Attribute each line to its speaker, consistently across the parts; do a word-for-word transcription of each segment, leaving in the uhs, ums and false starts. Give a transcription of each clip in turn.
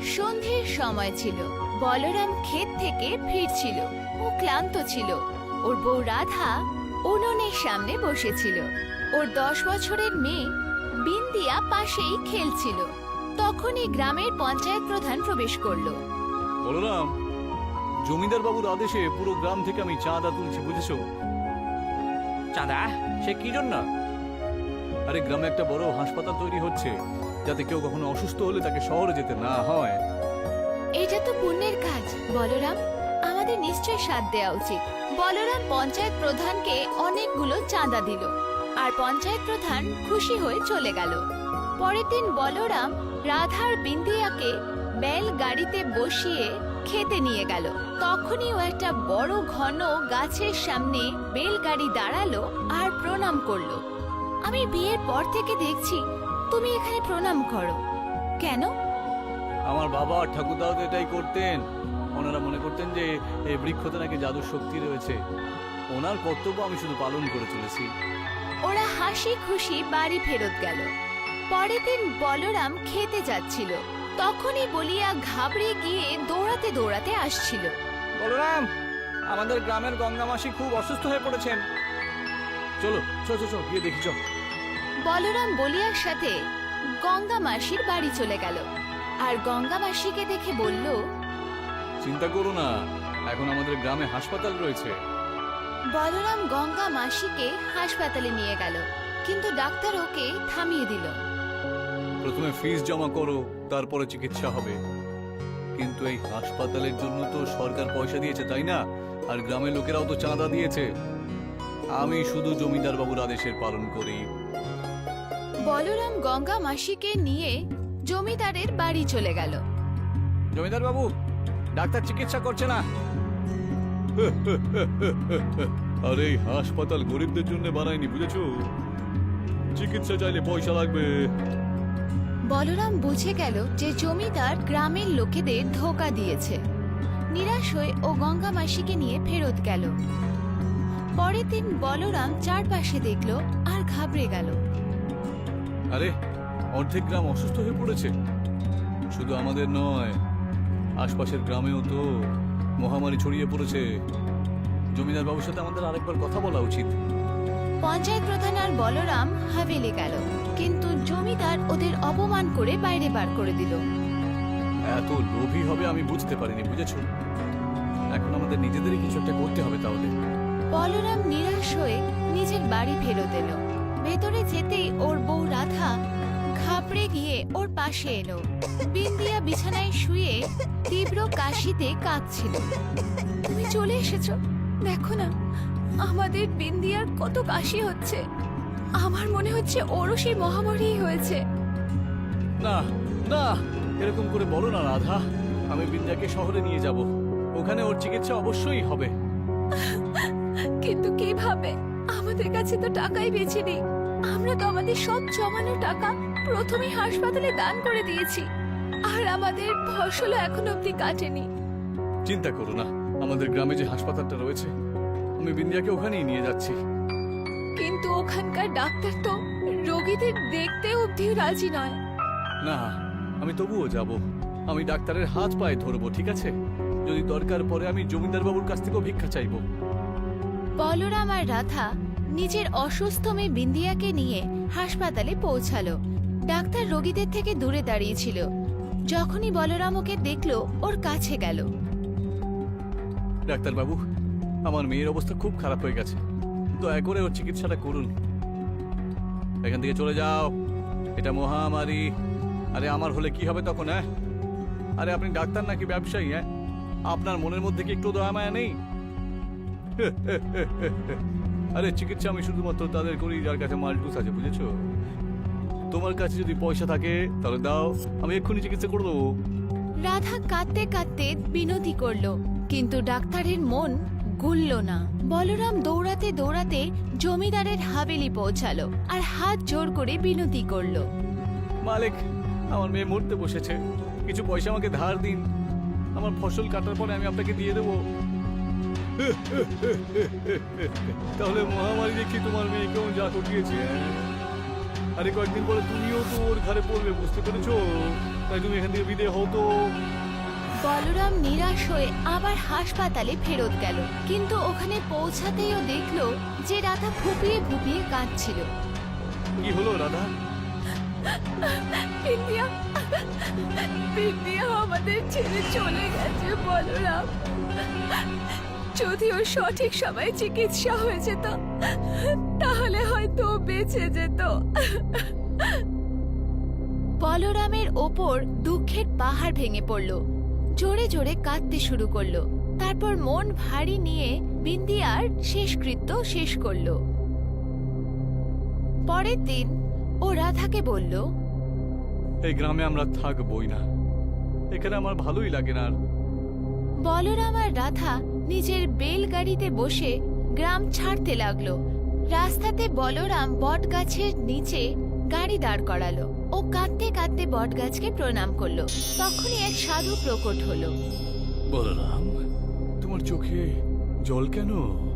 Speaker 1: সন্ধ্যের সময় ছিল। বলরাম ক্ষেত থেকে ফিরছিল। ও ক্লান্ত ছিল। ওর বউ রাধা উনুনের সামনে বসেছিল। ওর দশ বছরের মেয়ে বিন্দিয়া পাশেই খেলছিল। তখনই গ্রামের পঞ্চায়েত প্রধান প্রবেশ করলো।
Speaker 2: বলরাম, জমিদার বাবুর আদেশে পুরো গ্রাম থেকে আমি চাঁদা তুলছি, বুঝেছো?
Speaker 3: চাঁদা? সে কি জন্য?
Speaker 2: আরে গ্রামে একটা বড় হাসপাতাল তৈরি হচ্ছে, যাতে কেউ কখনো অসুস্থ হলে তাকে শহরে যেতে না হয়।
Speaker 1: এটা তো পুণ্যের কাজ বলরাম, আমাদের নিশ্চয় সাথ দেওয়া উচিত। বলরাম পঞ্চায়েত প্রধানকে অনেকগুলো চাঁদা দিল, আর পঞ্চায়েত প্রধান খুশি হয়ে চলে গেল। পরের দিন বলরাম রাধার বিন্দিয়াকে বেল গাড়িতে বসিয়ে খেতে নিয়ে গেল। তখনই ও একটা বড় ঘন গাছের সামনে বেলগাড়ি দাঁড়ালো আর প্রণাম করলো। আমি বিয়ের পর থেকে দেখছি তুমি এখানে প্রণাম করো, কেন?
Speaker 2: আমার বাবা আর ঠাকুরদাও তো এটাই করতেন। ওনারা মনে করতেন যে এই বৃক্ষতে নাকি জাদুর শক্তি রয়েছে। ওনার কর্তব্য আমি শুধু পালন করে চলেছি।
Speaker 1: ওরা হাসি খুশি বাড়ি ফেরত গেল। পরের দিন বলরাম খেতে যাচ্ছিল, তখনই বলিয়া ঘাবড়ে গিয়ে দৌড়াতে দৌড়াতে আসছিল।
Speaker 3: বলরাম, আমাদের গ্রামের গঙ্গা মাসি খুব অসুস্থ হয়ে পড়েছেন।
Speaker 2: চলো চলো চলো গিয়ে দেখি চল।
Speaker 1: বলরাম বলিয়ার সাথে গঙ্গা মাসির বাড়ি চলে গেল, আর গঙ্গা মাসিকে দেখে বলল,
Speaker 2: চিন্তা করো না, এখন আমাদের গ্রামে হাসপাতাল রয়েছে।
Speaker 1: বলরাম গঙ্গা মাসিকে হাসপাতালে নিয়ে গেল, কিন্তু ডাক্তার ওকে থামিয়ে দিল।
Speaker 2: প্রথমে ফিস জমা করো, তারপরে চিকিৎসা হবে। কিন্তু এই হাসপাতালের জন্য তো সরকার পয়সা দিয়েছে, তাই না? আর গ্রামের লোকেরাও তো চাঁদা দিয়েছে। আমি শুধু জমিদার বাবুর আদেশের পালন করি।
Speaker 1: বলরাম গঙ্গা মাসিকে নিয়ে জমিদারের বাড়ি চলে গেল।
Speaker 3: জমিদার বাবু, ডাক্তার চিকিৎসা করছে না।
Speaker 2: আর এই হাসপাতাল গরিবদের জন্য বানায়নি, বুঝেছো? চিকিৎসা চাইলে পয়সা লাগবে।
Speaker 1: বলরাম বুঝে গেল যে জমিদার গ্রামের লোকেদের ধোঁকা দিয়েছে। নিরাশ হয়ে ও গঙ্গা মাসিকে নিয়ে ফেরত গেল। পরের দিন বলরাম চারপাশে দেখলো আর ঘাবড়ে গেল।
Speaker 2: আরে, অর্ধেক গ্রাম অসুস্থ হয়ে পড়েছে। শুধু আমাদের নয়, আশপাশের গ্রামেও তো মহামারী ছড়িয়ে পড়েছে। জমিদার বাবুর সাথে আমাদের আরেকবার কথা বলা উচিত।
Speaker 1: পঞ্চায়েত প্রধান আর বলরাম হাভেলি গেল, কিন্তু জমিদার ওদের অপমান করে বাইরে বার করে দিল।
Speaker 2: এত লোভী হবে আমি বুঝতে পারিনি, বুঝেছো? এখন আমাদের নিজেদেরই কিছু একটা করতে হবে তাহলে।
Speaker 1: বলরাম নিরাশ হয়ে নিজের বাড়ি ফেরত এলো। ভেতরে যেতেই ওর বউ রাধা ঘাবড়ে গিয়ে ওর পাশে এলো। বিন্দিয়া বিছানায় শুয়ে তীব্র কাশিতে কাঁদছিল। তুমি চলে এসেছো, দেখো না আমাদের বিন্দিয়ার কত কাশি হচ্ছে। আমার মনে হচ্ছে ওরও সেই মহামারী হয়েছে।
Speaker 2: না না, এরকম করে বলো না রাধা। আমি বিন্দিয়াকে শহরে নিয়ে যাব, ওখানে ওর চিকিৎসা অবশ্যই হবে।
Speaker 1: কিন্তু কিভাবে? আমাদের কাছে তো টাকাই বেঁচে নেই। আমরা তো আমাদের সব জমানো টাকা প্রথমেই হাসপাতালে দান করে দিয়েছি, আর আমাদের ফসলও এখন অব্দি কাটেনি।
Speaker 2: চিন্তা করো না, আমাদের গ্রামে যে হাসপাতালটা রয়েছে, আমি বিন্দিয়াকে ওখানেই নিয়ে যাচ্ছি।
Speaker 1: কিন্তু ওখানকার ডাক্তার তো রোগীদের দেখতে অব্দি রাজি নয়।
Speaker 2: না, আমি তবুও যাব। আমি ডাক্তারের হাত পায়ে ধরবো, ঠিক আছে? যদি দরকার পড়ে আমি জমিদার বাবুর কাছ থেকেও ভিক্ষা চাইবো।
Speaker 1: বলরাম আর রাধা নিজের অসুস্থ মেয়ে বিন্দিয়াকে নিয়ে হাসপাতালে পৌঁছালো। ডাক্তার রোগীদের থেকে দূরে দাঁড়িয়েছিল। যখনই বলরাম ওকে দেখলো, ওর কাছে গেল।
Speaker 2: ডাক্তার বাবু, আমার মেয়ের অবস্থা খুব খারাপ হয়ে গেছে, দয়া করে ওর চিকিৎসাটা করুন। এখান থেকে চলে যাও, এটা মহামারী। আরে আমার হলে কি হবে তখন? হ্যাঁ, আরে আপনি ডাক্তার নাকি ব্যবসায়ী? হ্যাঁ, আপনার মনের মধ্যে কি একটু দয়া মায়া নেই? আরে চিকিৎসা আমি শুধুমাত্র তাদের করি যার কাছে মাল্টুস আছে, বুঝেছো? তোমার কাছে যদি পয়সা থাকে তাহলে দাও, আমি এক্ষুনি চিকিৎসা করে দেবো।
Speaker 1: রাধা কাঁদতে কাঁদতে বিনতি করলো, কিন্তু ডাক্তারের মন গুলল না। বলরাম দৌড়াতে দৌড়াতে জমিদারের হাভেলি পৌঁছালো আর হাত জোর করে বিনতি করলো।
Speaker 2: মালিক, আমার মেয়ে মরতে বসেছে, কিছু পয়সা আমাকে ধার দিন। আমার ফসল কাটার পরে আমি আপনাকে দিয়ে দেবো। তাহলে মহামারী দেখি তোমার মেয়ে কেমন যা করিয়েছে। আরে কয়েকদিন পরে তুমিও তো ওর ঘরে পড়বে, বুঝতে পেরেছো? তাই তুমি এখান থেকে বিদে হও তো।
Speaker 1: বলরাম নিরাশ হয়ে আবার হাসপাতালে ফেরত গেল, কিন্তু ওখানে পৌঁছাতেই ও দেখলো যে রাধা ফুপিয়ে ফুপিয়ে কাঁদছিল।
Speaker 2: কি হলো রাধা?
Speaker 1: বিন্দিয়া বিন্দিয়া আমাদের ছেড়ে চলে গেছে বলরাম। যদি ওর সঠিক সময়ে চিকিৎসা হয়ে যেত তাহলে হয়তো ও বেঁচে যেত। বলরামের ওপর দুঃখের পাহাড় ভেঙে পড়ল, জোরে জোরে কাঁদতে শুরু করলো। তারপর মন ভারী নিয়ে বিন্দিয়ার শেষকৃত্য শেষ করলো। পরের দিন ও রাধাকে বলল,
Speaker 2: এই গ্রামে আমরা থাকবই না, এখানে আমার ভালোই লাগে না।
Speaker 1: বলরাম আর রাধা নিজের বেলগাড়িতে বসে গ্রাম ছাড়তে লাগলো। রাস্তাতে বলরাম বটগাছের নিচে গাড়ি দাঁড় করালো। ও কাঁদতে কাঁদতে বটগাছকে প্রণাম করলো। তখনই এক সাধু প্রকট হলো।
Speaker 2: বলরাম, তোমার চোখে জল কেন?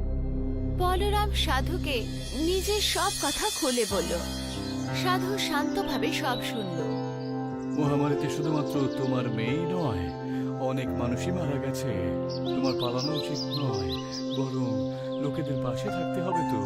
Speaker 1: বলরাম সাধুকে নিজের সব কথা খুলে বলল। সাধু শান্তভাবে সব শুনল।
Speaker 2: মহামারীতে শুধুমাত্র তোমার মেয়েই নয়, অনেক মানুষই মারা গেছে। তোমার পালানো উচিত নয়, বরং লোকেদের পাশে থাকতে হবে। তো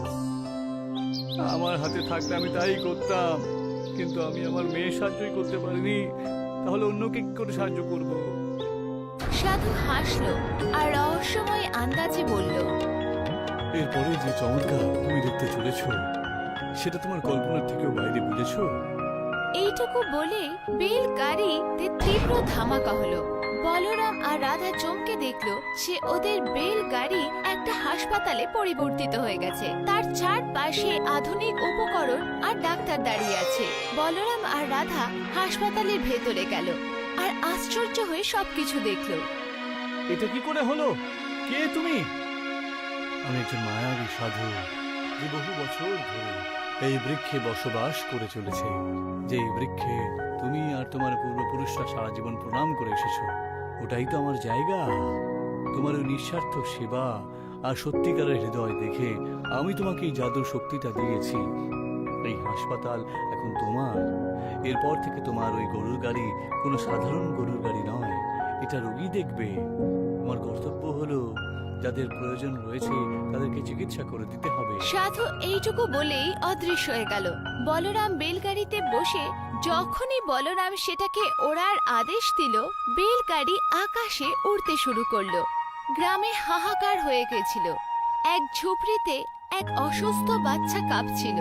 Speaker 2: আমার হাতে থাকলে আমি তাই করতাম, কিন্তু আমি আমার মেয়ে সাহায্যই করতে পারিনি, তাহলে অন্যকে কি করে সাহায্য করব?
Speaker 1: সাধু হাসলো আর রহস্যময় আন্দাজে বলল,
Speaker 2: এরপরে যে চমৎকার তুমি দেখতে চলেছ, সেটা তোমার কল্পনার থেকেও বাইরে, বুঝেছো?
Speaker 1: এইটুকু বলে বেল গাড়িতে তীব্র ধামাকা হলো। বলরাম আর রাধা চমকে দেখলো সে ওদের বেল গাড়ি একটা হাসপাতালে পরিবর্তিত হয়ে গেছে। তার চারপাশে আধুনিক উপকরণ আর ডাক্তার দাঁড়িয়ে আছে। বলরাম আর রাধা হাসপাতালের ভেতরে গেল আর আশ্চর্য হয়ে সবকিছু দেখলো।
Speaker 2: এটা কি করে হলো? কে তুমি? আমি একজন মায়াবী সাধু, যে বহু বছর ধরে এই বৃক্ষে বসবাস করে চলেছে। যে এই বৃক্ষে তুমি আর তোমার পূর্বপুরুষরা সারা জীবন প্রণাম করে এসেছো, ওটাই তো আমার জায়গা। তোমার ওই নিঃস্বার্থ সেবা আর সত্যিকারের হৃদয় দেখে আমি তোমাকে এই জাদুর শক্তিটা দিয়েছি। এই হাসপাতাল এখন তোমার। এরপর থেকে তোমার ওই গরুর গাড়ি কোনো সাধারণ গরুর গাড়ি নয়, এটা রোগী দেখবে। তোমার কর্তব্য হলো যাদের প্রয়োজন রয়েছে তাদেরকে চিকিৎসা করে দিতে হবে।
Speaker 1: সাধু এইটুকু বলেই অদৃশ্য হয়ে গেল। বলরাম বেলগাড়িতে বসে যখনই বলরাম সেটাকে ওড়ার আদেশ দিল, বেলগাড়ি আকাশে উড়তে শুরু করলো। গ্রামে হাহাকার হয়ে গেছিল। এক ঝুপড়িতে এক অসুস্থ বাচ্চা কাঁপছিল।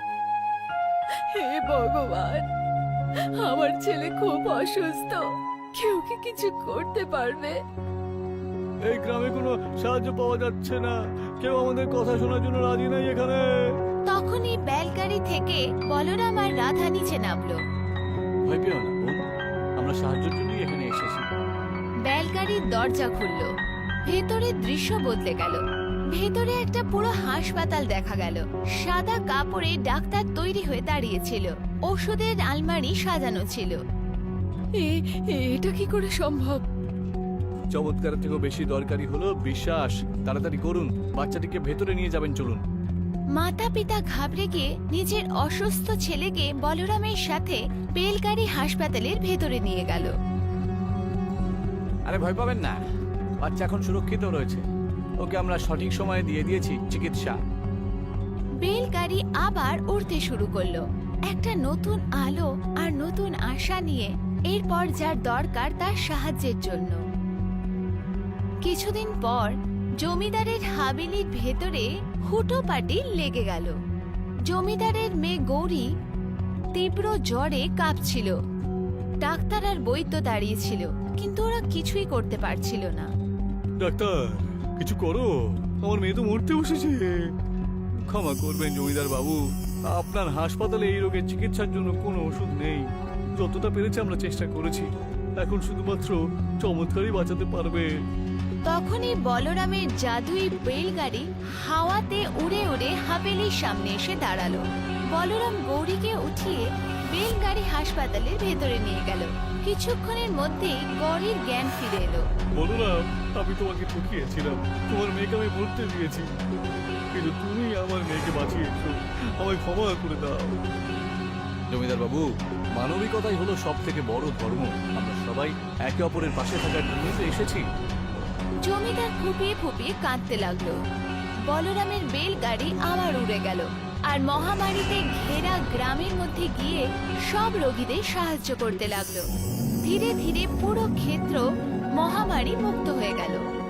Speaker 1: হে ভগবান, আমার ছেলে খুব অসুস্থ, কেউ কি কিছু করতে পারবে?
Speaker 2: এই গ্রামে কোনো সাহায্য পাওয়া যাচ্ছে না, কেউ আমাদের কথা শোনার জন্য রাজি নাই এখানে।
Speaker 1: তখনই বেলগাড়ি থেকে বলরাম আর রাধা নিচে নামলো।
Speaker 2: ভয় পেও না বোন, আমরা সাহায্যের জন্যই এখানে এসেছি।
Speaker 1: বেলগাড়ির দরজা খুললো। ভেতরে দৃশ্য বদলে গেল। ভেতরে একটা পুরো হাসপাতাল দেখা গেল। সাদা কাপড়ে ডাক্তার তৈরি হয়ে দাঁড়িয়েছিল। ওষুধের আলমারি সাজানো ছিল। এটা কি করে সম্ভব?
Speaker 2: চমৎকারের থেকেও বেশি দরকারি হলো বিশ্বাস। তাড়াতাড়ি করুন, বাচ্চাটিকে ভেতরে নিয়ে যাবেন, চলুন।
Speaker 1: মাতা পিতা ঘাবড়ে গিয়ে নিজের অসুস্থ ছেলেকে বলরামের সাথে বেলগাড়ি হাসপাতালের ভেতরে নিয়ে গেল।
Speaker 2: আরে ভয় পাবেন না, বাচ্চা এখন সুরক্ষিত রয়েছে। ওকে আমরা সঠিক সময়ে দিয়ে দিয়েছি চিকিৎসা।
Speaker 1: বেলগাড়ি আবার উড়তে শুরু করলো, একটা নতুন আলো আর নতুন আশা নিয়ে। এরপর যার দরকার তার সাহায্যের জন্য। কিছুদিন পর জমিদারের হাবিলির ভেতরে হুটোপাটি লেগে গেল। জমিদারের মেয়ে গৌরী তীব্র জ্বরে কাঁপছিল। ডাক্তার আর বৈদ্য দাঁড়িয়েছিল, কিন্তু ওরা কিছুই করতে পারছিল না।
Speaker 2: ডাক্তার, কিছু করো, আমার মেয়ে তো মরতে বসেছে। ক্ষমা করবেন জমিদার বাবু, আপনার হাসপাতালে এই রোগের চিকিৎসার জন্য কোনো ওষুধ নেই। যতটা পেরেছি আমরা চেষ্টা করেছি, এখন শুধুমাত্র চমৎকারই বাঁচাতে পারবে।
Speaker 1: তখনই বলরামের জাদুই বেলগাড়ি হাওয়াতে উড়ে উড়ে হাভেলির সামনে এসে দাঁড়ালো। বলরাম গৌরীকে উঠিয়ে বেলগাড়ি হাসপাতালের ভেতরে নিয়ে গেল। কিছুক্ষণের মধ্যেই গৌরীর জ্ঞান ফিরে এলো।
Speaker 2: বলরাম, আমি তোমাকে ঠকিয়েছিলাম, তোমার মেয়েকে আমি মরতে দিয়েছি, কিন্তু তুমি আমার মেয়েকে বাঁচিয়েছো। আমায় ক্ষমা করে দাও। জমিদার বাবু, মানবিকতাই হলো সব থেকে বড় ধর্ম। আমরা সবাই একে অপরের পাশে থাকার জন্যই তো এসেছি।
Speaker 1: জমিদার ফুপিয়ে ফুপিয়ে কাঁদতে লাগলো। বলরামের বেলগাড়ি আবার উড়ে গেল আর মহামারীতে ঘেরা গ্রামের মধ্যে গিয়ে সব রোগীদের সাহায্য করতে লাগলো। ধীরে ধীরে পুরো ক্ষেত্র মহামারী মুক্ত হয়ে গেল।